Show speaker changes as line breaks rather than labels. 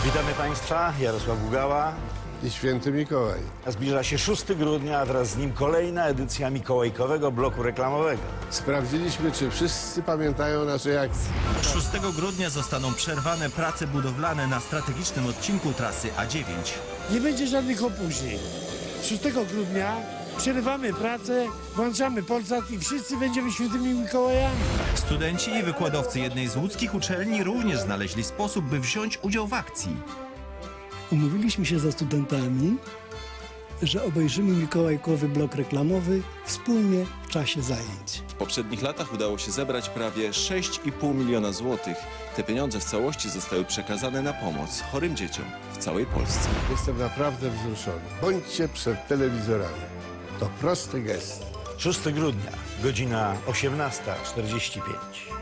Witamy Państwa, Jarosław Gugała.
I święty Mikołaj.
Zbliża się 6 grudnia, a wraz z nim kolejna edycja mikołajkowego bloku reklamowego.
Sprawdziliśmy, czy wszyscy pamiętają nasze akcje.
6 grudnia zostaną przerwane prace budowlane na strategicznym odcinku trasy A9.
Nie będzie żadnych opóźnień. 6 grudnia przerywamy pracę, włączamy Polsat i wszyscy będziemy świętymi Mikołajami.
Studenci i wykładowcy jednej z łódzkich uczelni również znaleźli sposób, by wziąć udział w akcji.
Umówiliśmy się ze studentami, że obejrzymy mikołajkowy blok reklamowy wspólnie w czasie zajęć.
W poprzednich latach udało się zebrać prawie 6,5 miliona złotych. Te pieniądze w całości zostały przekazane na pomoc chorym dzieciom w całej Polsce.
Jestem naprawdę wzruszony. Bądźcie przed telewizorami. To prosty gest.
6 grudnia, godzina 18:45.